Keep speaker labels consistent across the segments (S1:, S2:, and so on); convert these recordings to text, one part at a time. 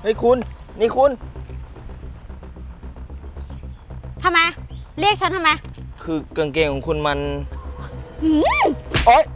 S1: ฮ้ยคุณนี่คุณ
S2: ทำไมเรียกฉันทำไม
S1: คือกางเกงของคุณมันโอ๊ย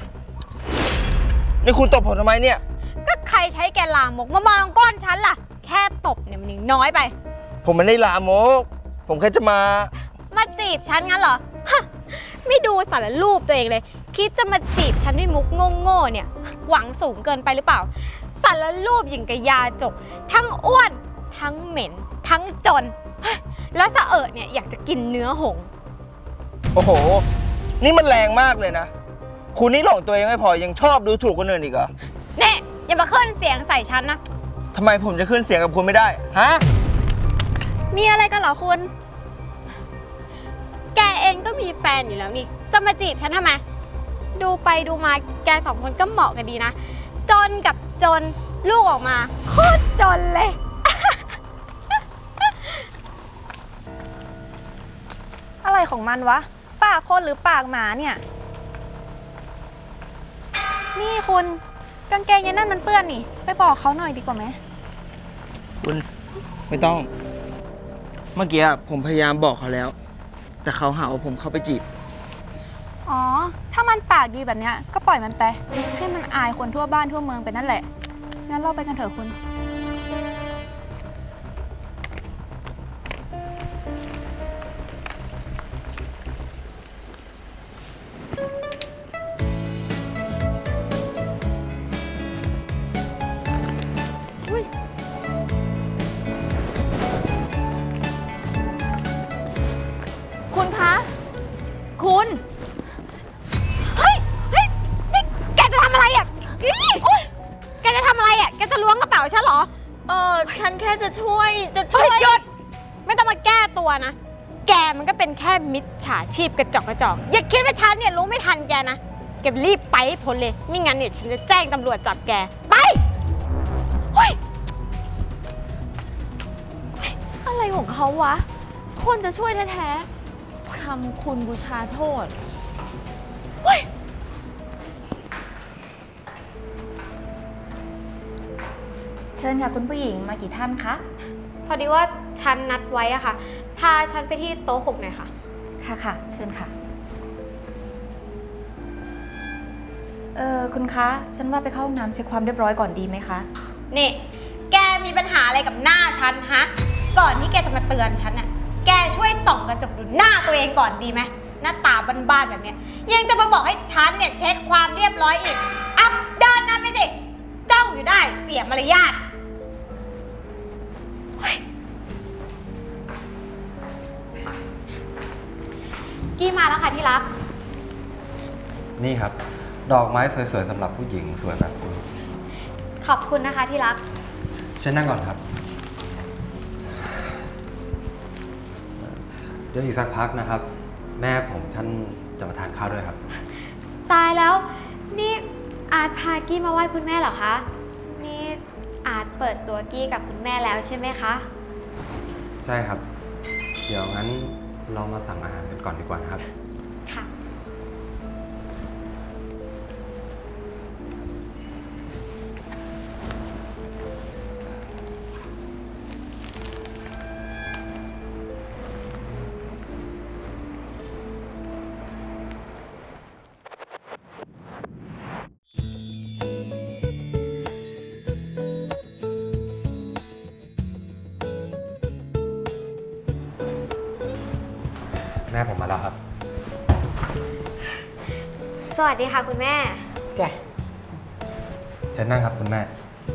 S1: นี่คุณตบผมทำไมเนี่ย
S2: ก็ใครใช้แกลามกมามองก้นฉันล่ะแค่ตบเนี่ยมันยังน้อยไป
S1: ผมไม่ได้ลามกผมแค่จะมา
S2: จีบฉันงั้นเหรอฮะไม่ดูสารรูปตัวเองเลยคิดจะมาจีบฉันด้วยมุกโง่ๆเนี่ยหวังสูงเกินไปหรือเปล่าสารรูปอย่างกับยาจกทั้งอ้วนทั้งเหม็นทั้งจนแล้วสะเอิดเนี่ยอยากจะกินเนื้อหง
S1: โอ้โหนี่มันแรงมากเลยนะคุณนี่หลงตัวเองไม่พอยังชอบดูถูกคนอื่นอีกเหรอ
S2: เนี่ยอย่ามาขึ้นเสียงใส่ฉันนะ
S1: ทำไมผมจะขึ้นเสียงกับคุณไม่ได้ฮะ
S2: มีอะไรกันเหรอคุณแกเองก็มีแฟนอยู่แล้วนี่จะมาจีบฉันทำไมดูไปดูมาแกสองคนก็เหมาะกันดีนะจนกับจนลูกออกมาโคตรจนเลย
S3: อะไรของมันวะปากคนหรือปากหมาเนี่ยนี่คุณกางเกงยันนั่นมันเปื้อนนี่ไปบอกเขาหน่อยดีกว่าไหม
S1: คุณไม่ต้องเมื่อกี้ผมพยายามบอกเขาแล้วแต่เขาหาว่าผมเข้าไปจีบ
S3: อ๋อถ้ามันปากดีแบบเนี้ยก็ปล่อยมันไปให้มันอายคนทั่วบ้านทั่วเมืองไปนั่นแหละงั้นเราไปกันเถอะคุณ
S2: คุณคะคุณเฮ้ยนี่แกจะทำอะไรอ่ะแกจะทำอะไรอ่ะแกจะล้วงกระเป๋าฉันเหรอ
S3: ฉันแค่จะช่วย
S2: หยุดไม่ต้องมาแก้ตัวนะแกมันก็เป็นแค่มิจฉาชีพกระจอกอย่าคิดว่าฉันเนี่ยรู้ไม่ทันแกนะแกรีบไปให้พ้นเลยไม่งั้นเนี่ยฉันจะแจ้งตำรวจจับแกไป
S3: อะไรของเขาวะคนจะช่วยแท้ๆทำคุณบูชาโทษเชิญค่ะคุณผู้หญิงมากี่ท่านคะ
S2: พอดีว่าฉันนัดไว้อะค่ะพาฉันไปที่โต๊ะ6หน่อยค่ะ
S3: ค่ะเชิญค่ะคุณคะฉันว่าไปเข้าห้องน้ำเช็คความเรียบร้อยก่อนดีไหมคะ
S2: นี่แกมีปัญหาอะไรกับหน้าฉันฮะก่อนที่แกจะมาเตือนฉันน่ะแกช่วยส่องกระจกดูหน้าตัวเองก่อนดีไหมหน้าตาบ้านๆแบบเนี้ยยังจะมาบอกให้ฉันเนี่ยเช็คความเรียบร้อยอีกอัพเดินนำไปสิจ้องอยู่ได้เสียมารยาทกี้มาแล้วค่ะที่รัก
S4: นี่ครับดอกไม้สวยๆสำหรับผู้หญิงสวยแบบคุณ
S2: ขอบคุณนะคะที่รัก
S4: เชิญนั่งก่อนครับเดี๋ยวอีกสักพักนะครับแม่ผมท่านจะมาทานข้าวด้วยครับ
S2: ตายแล้วนี่อาร์ตพากี้มาไหว้คุณแม่เหรอคะนี่อาร์ตเปิดตัวกี้กับคุณแม่แล้วใช่ไหมคะ
S4: ใช่ครับเดี๋ยวงั้นเรามาสั่งอาหารกันก่อนดีกว่านะครับ
S2: ค่ะ
S4: แม่ผมมาแล้วครับ
S2: สวัสดีค่ะคุณแม่
S1: จ้ะ
S4: เชิญนั่งครับคุณแม่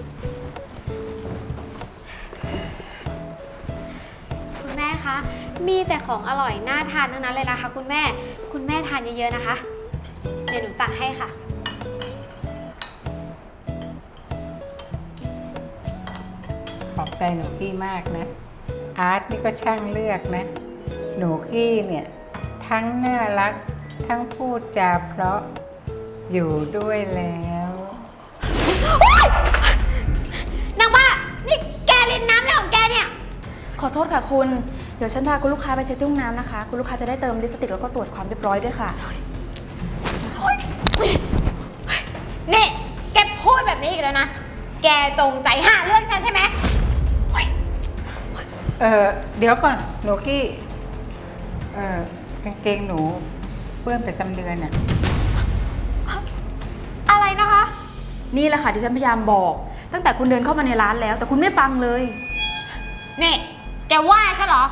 S2: คุณแม่คะมีแต่ของอร่อยน่าทานทั้งนั้นเลยนะคะคุณแม่ทานเยอะๆนะคะเดี๋ยวหนูตักให้ค่ะ
S5: ขอบใจหนูกี้มากนะอาร์ตนี่ก็ช่างเลือกนะหนูกี้เนี่ยทั้งน่ารักทั้งพูดจาเพราะอยู่ด้วยแล้ว
S2: นางบ้านี่แกลินน้ำอะไรของแกเนี่ย
S3: ขอโทษค่ะคุณเดี๋ยวฉันพาคุณลูกค้าไปเช็คที่ห้องน้ำนะคะคุณลูกค้าจะได้เติมลิปสติกแล้วก็ตรวจความเรียบร้อยด้วยค่ะ
S2: นี่แกพูดแบบนี้อีกแล้วนะแกจงใจหาเรื่องฉันใช่ไหม
S5: เดี๋ยวก่อนหนูกี้กางเกงหนูเปื้อนประจำเดือนน่ะ
S3: อะไรนะคะ นี่แหละค่ะที่ฉันพยายามบอก ตั้งแต่คุณเดินเข้ามาในร้านแล้ว แต่คุณไม่ฟังเลย
S2: นี่แกว่าฉันเหรอ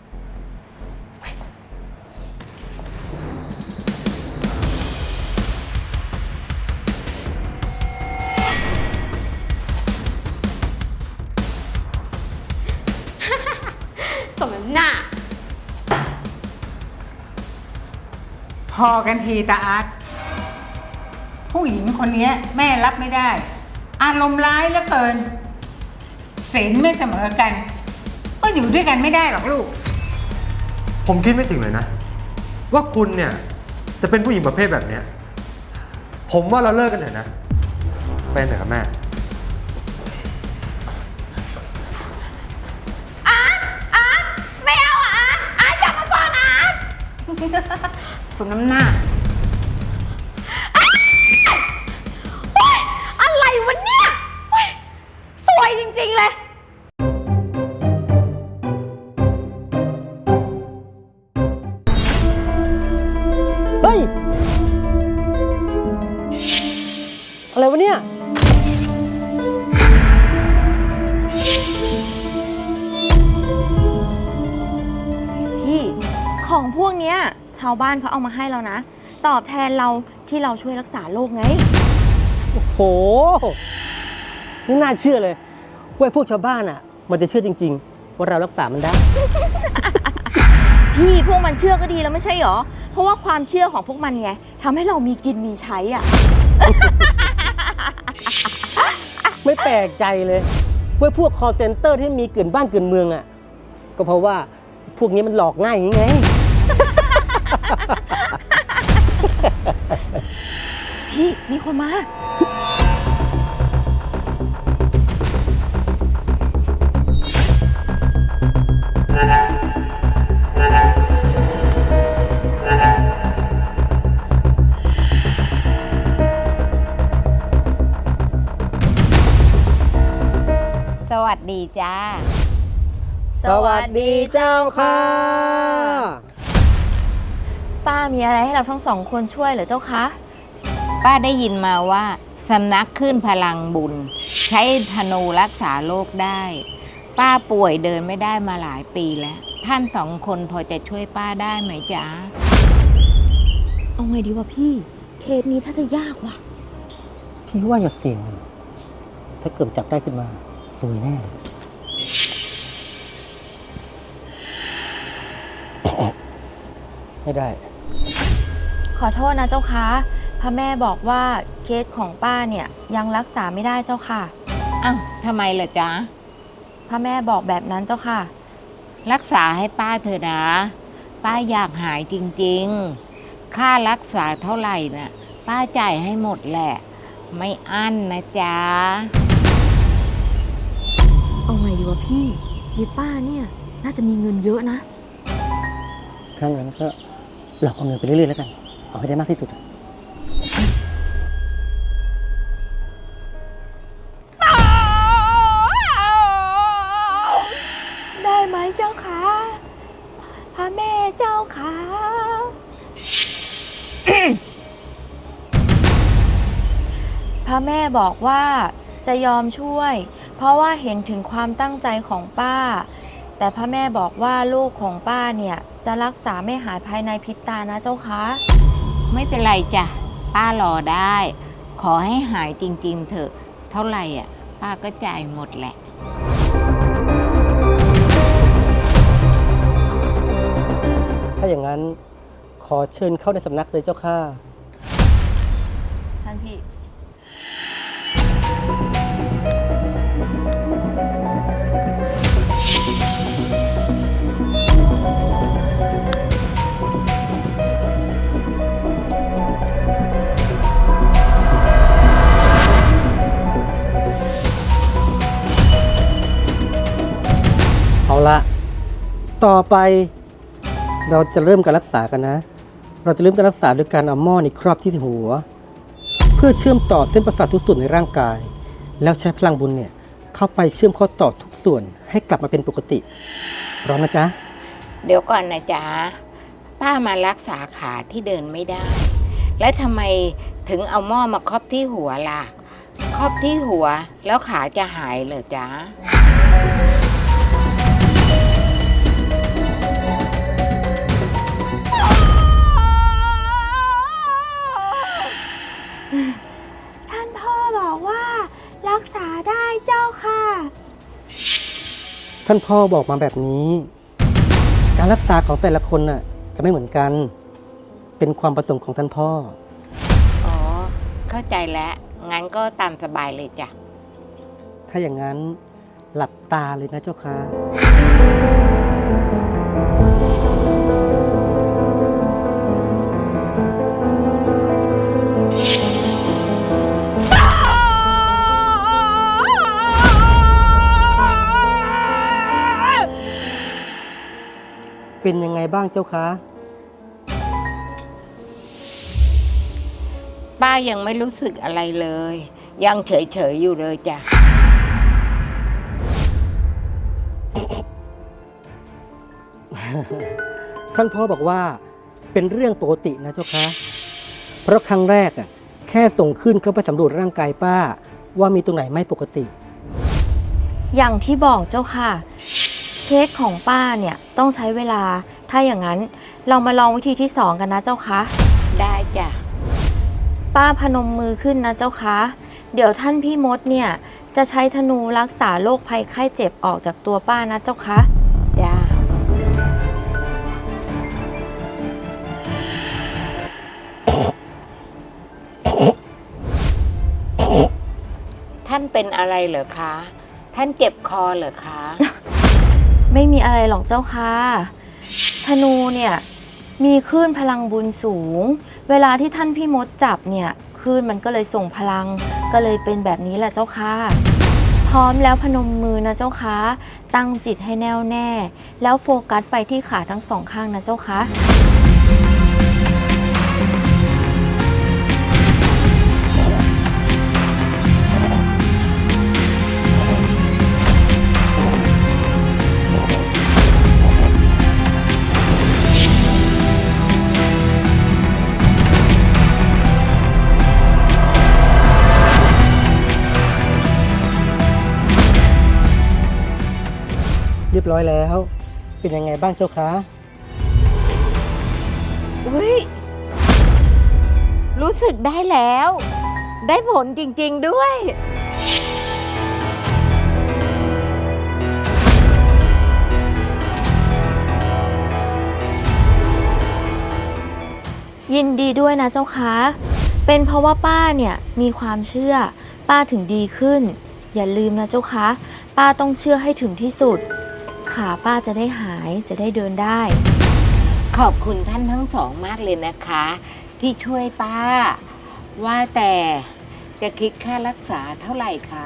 S2: สมน้ำหน้า
S5: พอกันทีตาอาร์ตผู้หญิงคนนี้แม่รับไม่ได้ อารมณ์ร้ายเหลือเกินศีลไม่เสมอกัน ก็อยู่ด้วยกันไม่ได้หรอกลูก
S4: ผมคิดไม่ถึงเลยนะ ว่าคุณเนี่ยจะเป็นผู้หญิงประเภทแบบเนี้ยผมว่าเราเลิกกันเถอะนะเป็นเถอะครับแม่
S2: ไม่เอาอ่ะอาร์ตจับมาก่อนอาร์ต
S3: สมน้ำหน้า
S2: อะไรวะเนี่ยเฮ้ยสวยจริงๆเลย
S6: เฮ้ย อะไรวะเนี่ย
S7: พี่ของพวกเนี้ยชาวบ้านเขาเอามาให้เรานะ ตอบแทนเราที่เราช่วยรักษาโรคไง
S6: โอ้โหไม่น่าเชื่อเลยว่าพวกชาวบ้านอ่ะ มันจะเชื่อจริงๆ ว่าเรารักษามันได้
S7: พี่พวกมันเชื่อก็ดีแล้วไม่ใช่หรอ เพราะว่าความเชื่อของพวกมันไงทำให้เรามีกินมีใช้อ่ะ
S6: ไม่แปลกใจเลยว่าพวก call center ที่มีเกินบ้านเกินเมืองอ่ะ ก็เพราะว่าพวกนี้มันหลอกง่ายอย่างงี้ไง
S7: พี่มีคนมา
S5: สวัสดีจ้า
S6: สวัสดีเจ้าค่ะ
S7: ป้ามีอะไรให้เราทั้งสองคนช่วยเหรอเจ้าคะ
S8: ป้าได้ยินมาว่าสำนักขึ้นพลังบุญ ใช้ธนูรักษาโรคได้ ป้าป่วยเดินไม่ได้มาหลายปีแล้ว ท่านสองคนพอจะช่วยป้าได้ไหมจ๊ะ
S7: เอาไงดีวะพี่ เคสนี้ถ้าจะยากว่ะ
S6: พี่ว่าอย่าเสี่ยงเลยถ้าเกิดจับได้ขึ้นมาสวยแน่ ไม่ได้
S7: ขอโทษนะเจ้าคะพระแม่บอกว่าเคสของป้าเนี่ยยังรักษาไม่ได้เจ้าค่ะ
S8: อ้าวทำไมล่ะจ๊ะ
S7: พระแม่บอกแบบนั้นเจ้าค่ะ
S8: รักษาให้ป้าเถอะนะ ป้าอยากหายจริงๆ ค่ารักษาเท่าไหร่น่ะ ป้าจ่ายให้หมดแหละ ไม่อั้นนะจ๊ะ
S7: เอาไงดีวะพี่ยีป้าเนี่ยน่าจะมีเงินเยอะนะ
S6: ถ้างั้นก็หลอกเอาเงินไปเรื่อยๆแล้วกัน เอาให้ได้มากที่สุด
S7: ได้ไหมเจ้าคะพระแม่เจ้าคะ พระแม่บอกว่าจะยอมช่วย เพราะว่าเห็นถึงความตั้งใจของป้า แต่พระแม่บอกว่าลูกของป้าเนี่ยจะรักษาไม่หายภายในพริบตานะเจ้าคะ
S8: ไม่เป็นไรจ้ะ ป้ารอได้ ขอให้หายจริงๆเถอะ เท่าไหร่อ่ะ ป้าก็จ่ายหมดแหละ
S6: ถ้าอย่างนั้นขอเชิญเข้าในสำนักเลยเจ้าค่ะ
S7: ท่านพี่
S6: เอาละ ต่อไปเราจะเริ่มการรักษากันนะ เราจะเริ่มการรักษาด้วยการเอาหม้อนี่ครอบที่หัว เพื่อเชื่อมต่อเส้นประสาททุกส่วนในร่างกาย แล้วใช้พลังบุญเนี่ยเข้าไปเชื่อมข้อต่อทุกส่วนให้กลับมาเป็นปกติพร้อมนะจ๊ะ
S8: เดี๋ยวก่อนนะจ๊ะ ป้ามารักษาขาที่เดินไม่ได้ แล้วทำไมถึงเอาหม้อมาครอบที่หัวล่ะ ครอบที่หัวแล้วขาจะหายเหรอจ๊ะ
S2: ท่านพ่อบอกว่ารักษาได้เจ้าค่ะ
S6: ท่านพ่อบอกมาแบบนี้ การรักษาของแต่ละคนน่ะจะไม่เหมือนกัน เป็นความประสงค์ของท่านพ่อ
S8: อ๋อ เข้าใจแล้ว งั้นก็ตามสบายเลยจ้ะ
S6: ถ้าอย่างนั้นหลับตาเลยนะเจ้าค่ะ เป็นยังไงบ้างเจ้าคะ
S8: ป้ายังไม่รู้สึกอะไรเลย ยังเฉยๆอยู่เลยจ้ะ
S6: ท่านพ่อบอกว่าเป็นเรื่องปกตินะเจ้าคะ เพราะครั้งแรกแค่ส่งขึ้นเข้าไปสำรวจร่างกายป้าว่ามีตรงไหนไม่ปกติ
S7: อย่างที่บอกเจ้าค่ะ เค้กของป้าเนี่ยต้องใช้เวลา ถ้าอย่างนั้นเรามาลองวิธีที่ 2 กันนะเจ้าคะ
S8: ได้จ้ะ
S7: ป้าพนมมือขึ้นนะเจ้าคะ เดี๋ยวท่านพี่มดเนี่ยจะใช้ธนูรักษาโรคภัยไข้เจ็บออกจากตัวป้านะเจ้าคะ
S8: จ้า ท่านเป็นอะไรเหรอคะ ท่านเจ็บคอเหรอคะ
S7: ไม่มีอะไรหรอกเจ้าค่ะธนูเนี่ยมีคลื่นพลังบุญสูง เวลาที่ท่านพี่มดจับเนี่ยคลื่นมันก็เลยส่งพลังก็เลยเป็นแบบนี้แหละเจ้าค่ะพร้อมแล้วพนมมือนะเจ้าค่ะตั้งจิตให้แน่วแน่ แล้วโฟกัสไปที่ขาทั้งสองข้างนะเจ้าค่ะ
S6: เรียบร้อยแล้ว เป็นยังไงบ้างเจ้าคะ
S8: อุ้ย รู้สึกได้แล้ว ได้ผลจริงๆด้วย
S7: ยินดีด้วยนะเจ้าคะเป็นเพราะว่าป้าเนี่ยมีความเชื่อป้าถึงดีขึ้น อย่าลืมนะเจ้าคะป้าต้องเชื่อให้ถึงที่สุดขาป้าจะได้หายจะได้เดินได้
S8: ขอบคุณท่านทั้งสองมากเลยนะคะ ที่ช่วยป้า ว่าแต่จะคิดค่ารักษาเท่าไหร่คะ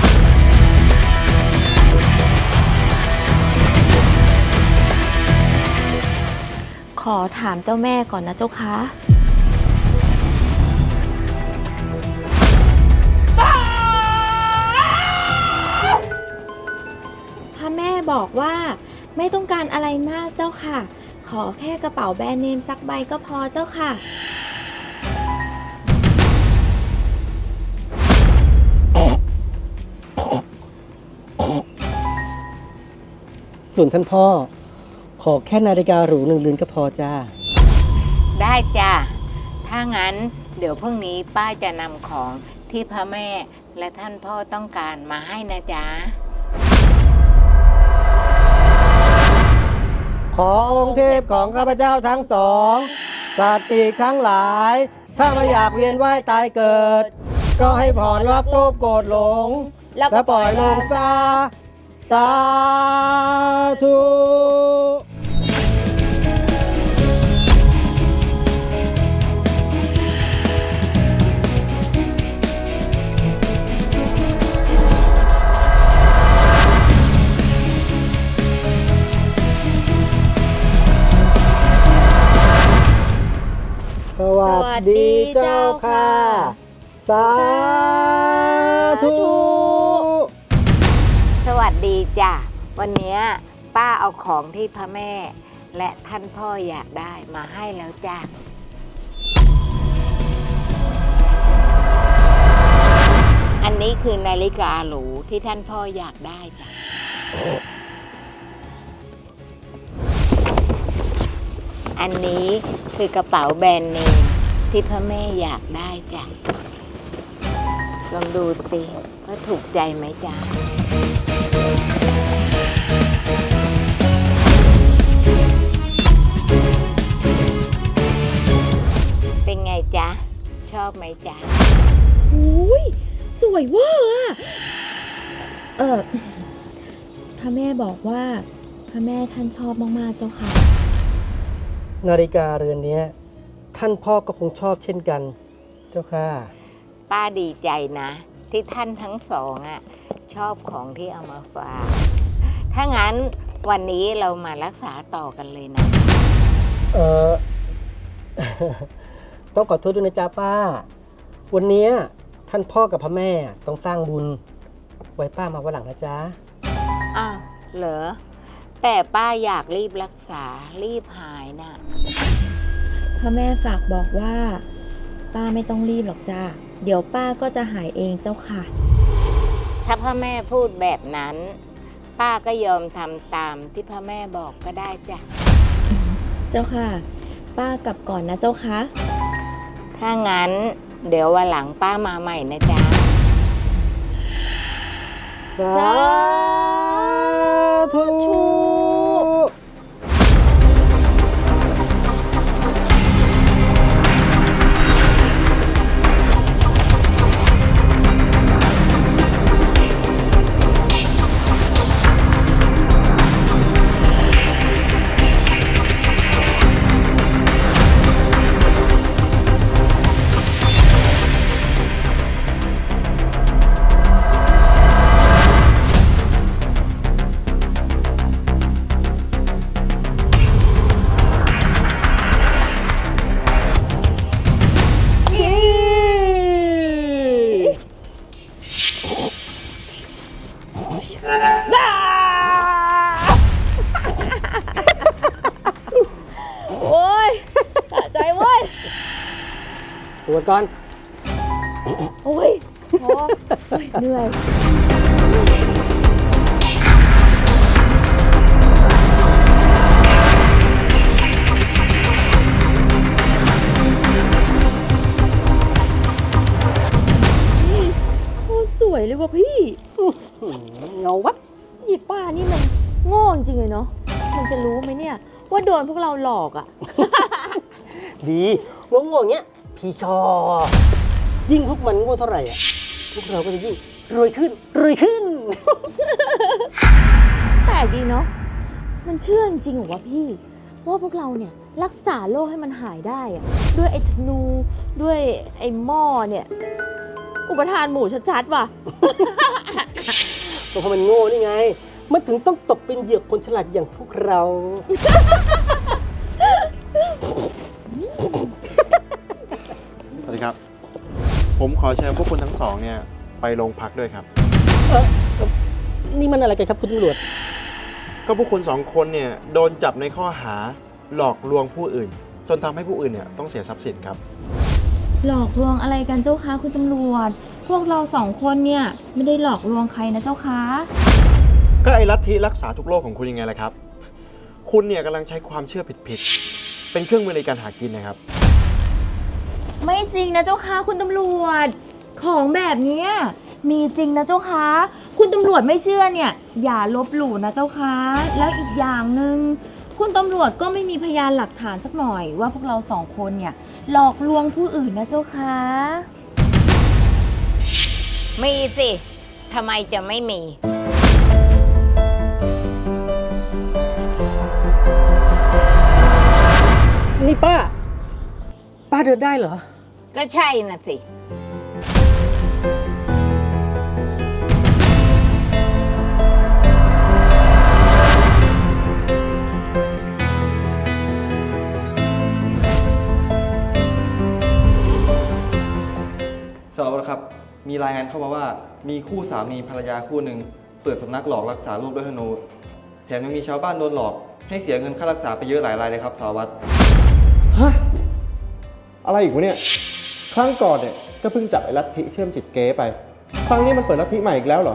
S7: ขอถามเจ้าแม่ก่อนนะเจ้าคะพระแม่บอกว่าไม่ต้องการอะไรมากเจ้าค่ะ ขอแค่กระเป๋าแบรนด์เนมสักใบก็พอเจ้าค่ะ
S6: ส่วนท่านพ่อ ขอแค่นาฬิกาหรู1 เรือนก็พอจ้า
S8: ได้จ้ะ ถ้างั้นเดี๋ยวพรุ่งนี้ป้าจะนำของที่พระแม่และท่านพ่อต้องการมาให้นะจ๊ะ
S6: ขอองค์เทพของข้าพเจ้าทั้งสองสัตว์ปีกทั้งหลาย ถ้าไม่อยากเวียนว่ายตายเกิด ก็ให้ผ่อนรับโลภโกรธหลง และปล่อยลงซาสาธุ สวัสดีเจ้าค่ะ สาธุ
S8: ดีจ้ะ วันเนี้ยป้าเอาของที่พระแม่ และท่านพ่ออยากได้มาให้แล้วจ้ะ อันนี้คือนาฬิกาหรูที่ท่านพ่ออยากได้จ้ะ อันนี้คือกระเป๋าแบรนด์เนมที่พระแม่อยากได้จ้ะ ลองดูสิว่าถูกใจไหมจ๊ะ เป็นไงจ๊ะ ชอบไหมจ๊ะ
S7: อุ้ยสวยเวอร์อะพระแม่บอกว่าพระแม่ท่านชอบมากๆเจ้าค่ะ
S6: นาฬิกาเรือนนี้ท่านพ่อก็คงชอบเช่นกัน เจ้าค่ะ
S8: ป้าดีใจนะ ที่ท่านทั้งสองอ่ะชอบของที่เอามาฝาก ถ้างั้นวันนี้เรามารักษาต่อกันเลยนะ
S6: เออ ต้องขอโทษด้วยนะจ๊ะป้า วันเนี้ยท่านพ่อกับพระแม่ต้องสร้างบุญ ไว้ป้ามาวันหลังนะจ๊ะ
S8: อ้าว เหรอ แต่ป้าอยากรีบรักษารีบหายน่ะ
S7: พระแม่ฝากบอกว่า ป้าไม่ต้องรีบหรอกจ้าเดี๋ยวป้าก็จะหายเองเจ้าค่ะ
S8: ถ้าพ่อแม่พูดแบบนั้น ป้าก็ยอมทำตามที่พ่อแม่บอกก็ได้จ้ะ
S7: เจ้าค่ะ ป้ากลับก่อนนะเจ้าค่ะ
S8: ถ้างั้นเดี๋ยววันหลังป้ามาใหม่นะจ๊ะ
S6: สาธุ
S7: โอ้ยสะใจเว้ย
S6: ตรวจก่อน
S7: โอ้ยพอโอ้ยเหนื่อย โคตรสวยเลยว่ะพี่
S6: เงาวับ
S7: หยิบป้านี่มันโง่จริงเลยเนาะ มันจะรู้ไหมเนี่ย ว่าโดนพวกเราหลอกอะ
S6: ดีงงๆอย่างเงี้ย พี่ชอบ ยิ่งพวกมันโง่เท่าไหร่อ่ะ พวกเราก็จะยิ่งรวยขึ้น รวยขึ้น
S7: แปลกดีเนาะ มันเชื่อจริงๆเหรอวะพี่ ว่าพวกเราเนี่ยรักษาโรคให้มันหายได้อะด้วยไอ้ธนู ด้วยไอ้หม้อเนี่ย อุปทานหมู่ชัดๆว่ะ
S6: ก็เพราะมันโง่นี่ไง มันถึงต้องตกเป็นเหยื่อคนฉลาดอย่างพวกเรา
S9: สวัสดีครับ ผมขอเชิญพวกคุณทั้งสองเนี่ยไปโรงพักด้วยครับ
S6: นี่มันอะไรกันครับคุณตำรวจ
S9: ก็พวกคุณสองคนเนี่ยโดนจับในข้อหาหลอกลวงผู้อื่น จนทำให้ผู้อื่นเนี่ยต้องเสียทรัพย์สินครับ
S7: หลอกลวงอะไรกันเจ้าคะคุณตำรวจ พวกเราสองคนเนี่ยไม่ได้หลอกลวงใครนะเจ้าคะ
S9: ก็ไอ้ลัทธิรักษาทุกโรคของคุณยังไงล่ะครับ คุณเนี่ยกำลังใช้ความเชื่อผิดๆเป็นเครื่องมือในการหากินนะครับ
S7: ไม่จริงนะเจ้าคะคุณตำรวจ ของแบบเนี้ยมีจริงนะเจ้าคะคุณตำรวจไม่เชื่อเนี่ยอย่าลบหลู่นะเจ้าคะแล้วอีกอย่างหนึ่งคุณตำรวจก็ไม่มีพยานหลักฐานสักหน่อยว่าพวกเราสองคนเนี่ยหลอกลวงผู้อื่นนะเจ้าคะ
S8: มีสิ ทำไมจะไม่มี
S6: นี่ป้า ป้าเดินได้เหรอ
S8: ก็ใช่น่ะสิ
S10: สารวัตรครับ มีรายงานเข้ามาว่ามีคู่สามีภรรยาคู่หนึ่งเปิดสำนักหลอกรักษาโรคด้วยธนู แถมยังมีชาวบ้านโดนหลอกให้เสียเงินค่ารักษาไปเยอะหลายรายเลยครับสารวัตร
S9: ฮะ อะไรอีกวะเนี่ย ครั้งก่อนเนี่ยก็เพิ่งจับไอ้ลัทธิเชื่อมจิตเก๊ไป ครั้งนี้มันเปิดลัทธิใหม่อีกแล้วเหรอ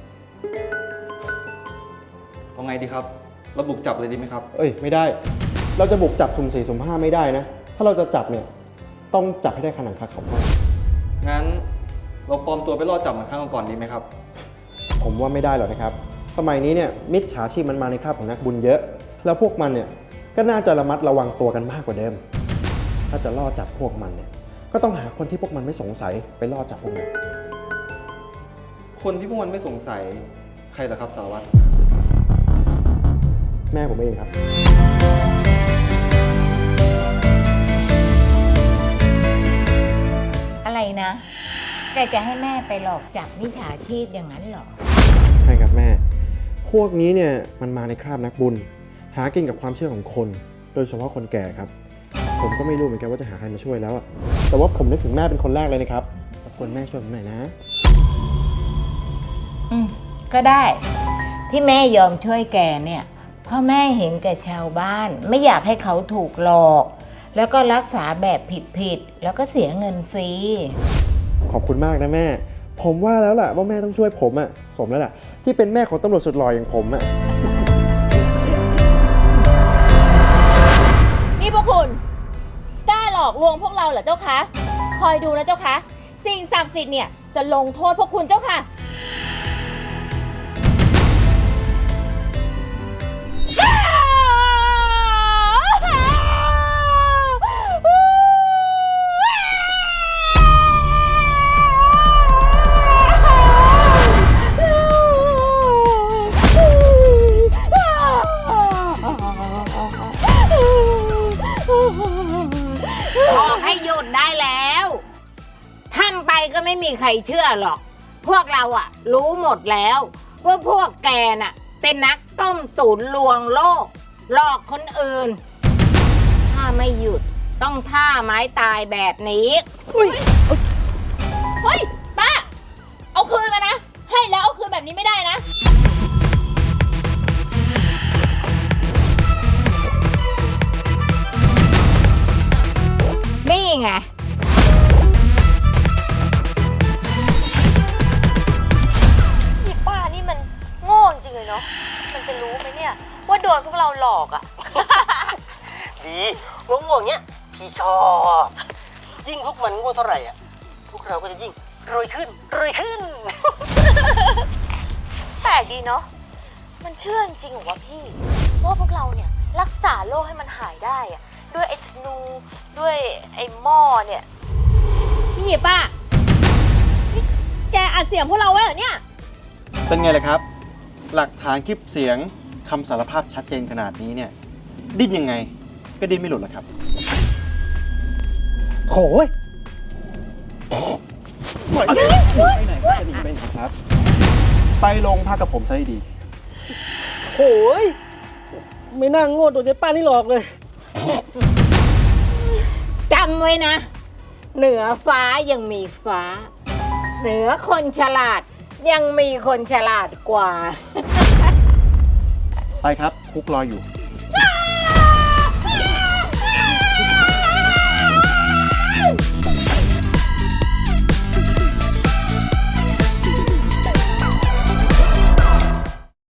S10: เอาไงดีครับเราบุกจับเลยดีไหมครับ
S9: เอ้ย ไม่ได้ เราจะบุกจับสุ่ม4สุ่ม5ไม่ได้นะ ถ้าเราจะจับเนี่ยต้องจับให้ได้ขนังคาเขาพ่อ
S10: งั้นเราปลอมตัวไปล่อจับเหมือนครั้งก่อนดีไหมครับ
S9: ผมว่าไม่ได้หรอกนะครับ สมัยนี้เนี่ยมิจฉาชีพมันมาในคราบของนักบุญเยอะ แล้วพวกมันเนี่ยก็น่าจะระมัดระวังตัวกันมากกว่าเดิม ถ้าจะล่อจับพวกมันเนี่ยก็ต้องหาคนที่พวกมันไม่สงสัยไปล่อจับพวกมัน
S10: คนที่พวกมันไม่สงสัยใครเหรอครับสารวัตร
S9: แม่ผมเองครับ
S8: อะไรนะ แกจะให้แม่ไปหลอกจับมิจฉาชีพอย่างนั้นเหรอ
S9: ใช่ครับแม่ พวกนี้เนี่ยมันมาในคราบนักบุญ หากินกับความเชื่อของคน โดยเฉพาะคนแก่ครับ ผมก็ไม่รู้เหมือนกันว่าจะหาใครมาช่วยแล้วอะแต่ว่าผมนึกถึงแม่เป็นคนแรกเลยนะครับรบกวนแม่ช่วยผมหน่อยนะ
S8: ก็ได้ ที่แม่ยอมช่วยแกเนี่ยเพราะแม่เห็นแก่ชาวบ้าน ไม่อยากให้เขาถูกหลอก แล้วก็รักษาแบบผิดๆแล้วก็เสียเงินฟรี
S9: ขอบคุณมากนะแม่ ผมว่าแล้วล่ะว่าแม่ต้องช่วยผมอะสมแล้วล่ะที่เป็นแม่ของตำรวจสุดหล่ออย่างผมอะ
S7: นี่พวกคุณกล้าหลอกลวงพวกเราเหรอเจ้าคะ คอยดูนะเจ้าคะ สิ่งศักดิ์สิทธิ์เนี่ยจะลงโทษพวกคุณเจ้าค่ะ
S8: บอกให้หยุดได้แล้วทำไปก็ไม่มีใครเชื่อหรอก พวกเราอะรู้หมดแล้วว่าพวกแกน่ะเป็นนักต้มตุ๋นลวงโลก หลอกคนอื่น ถ้าไม่หยุดต้องท่าไม้ตายแบบนี้
S7: เฮ้ย ป้า เอาคืนมานะ ให้แล้วเอาคืนแบบนี้ไม่ได้นะ
S8: นี่ไง
S7: อีป้านี่มันโง่จริงเลยเนาะ มันจะรู้ไหมเนี่ยว่าโดนพวกเราหลอกอะ
S6: ดีง่วงๆเงี้ยพี่ชอบ ยิ่งพวกมันง่วงเท่าไหร่อ่ะพวกเราก็จะยิ่งรวยขึ้นรวยขึ้น
S7: แปลกดีเนาะ มันเชื่อจริงๆเหรอวะพี่ว่าพวกเราเนี่ยรักษาโรคให้มันหายได้อะด้วยไอ้ธนูด้วยไอ้หม้อเนี่ยนี่ป้า นี่แกอัดเสียงพวกเราไว้เหรอเนี่ย
S9: เป็นไงล่ะครับ หลักฐานคลิปเสียงคำสารภาพชัดเจนขนาดนี้เนี่ยดิ้นยังไงก็ดิ้นไม่หลุดหรอกครับ
S6: โถ่ย
S9: ไปไหนจะหนีไปไหนครับ ไปโรงพักกับผมซะให้ดี
S6: โถ่ยไม่น่าโง่ตัวเจ๊ป้านี่หลอกเลย
S8: จำไว้นะ เหนือฟ้ายังมีฟ้า เหนือคนฉลาดยังมีคนฉลาดกว่า
S9: ไปครับคุกรออยู่